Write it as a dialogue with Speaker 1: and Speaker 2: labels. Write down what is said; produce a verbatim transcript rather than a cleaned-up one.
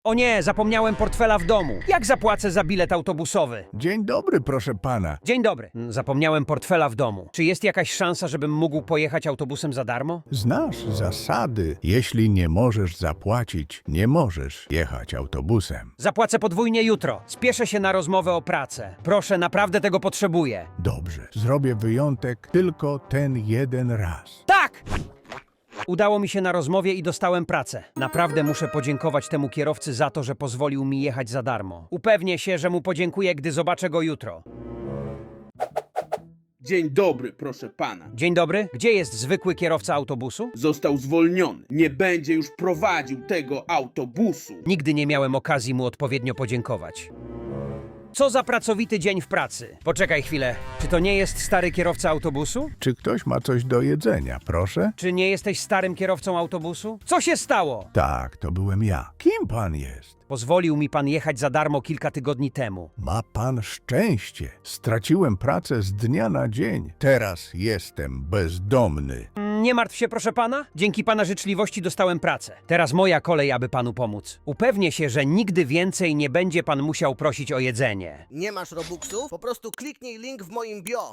Speaker 1: O nie, zapomniałem portfela w domu. Jak zapłacę za bilet autobusowy?
Speaker 2: Dzień dobry, proszę pana.
Speaker 1: Dzień dobry. Mm, Zapomniałem portfela w domu. Czy jest jakaś szansa, żebym mógł pojechać autobusem za darmo?
Speaker 2: Znasz zasady. Jeśli nie możesz zapłacić, nie możesz jechać autobusem.
Speaker 1: Zapłacę podwójnie jutro. Spieszę się na rozmowę o pracę. Proszę, naprawdę tego potrzebuję.
Speaker 2: Dobrze, zrobię wyjątek tylko ten jeden raz.
Speaker 1: Tak! Udało mi się na rozmowie i dostałem pracę. Naprawdę muszę podziękować temu kierowcy za to, że pozwolił mi jechać za darmo. Upewnię się, że mu podziękuję, gdy zobaczę go jutro.
Speaker 3: Dzień dobry, proszę pana.
Speaker 1: Dzień dobry. Gdzie jest zwykły kierowca autobusu?
Speaker 3: Został zwolniony. Nie będzie już prowadził tego autobusu.
Speaker 1: Nigdy nie miałem okazji mu odpowiednio podziękować. Co za pracowity dzień w pracy. Poczekaj chwilę. Czy to nie jest stary kierowca autobusu?
Speaker 2: Czy ktoś ma coś do jedzenia, proszę?
Speaker 1: Czy nie jesteś starym kierowcą autobusu? Co się stało?
Speaker 2: Tak, to byłem ja. Kim pan jest?
Speaker 1: Pozwolił mi pan jechać za darmo kilka tygodni temu.
Speaker 2: Ma pan szczęście. Straciłem pracę z dnia na dzień. Teraz jestem bezdomny.
Speaker 1: Nie martw się, proszę pana. Dzięki pana życzliwości dostałem pracę. Teraz moja kolej, aby panu pomóc. Upewnię się, że nigdy więcej nie będzie pan musiał prosić o jedzenie.
Speaker 4: Nie masz Robuxów? Po prostu kliknij link w moim bio.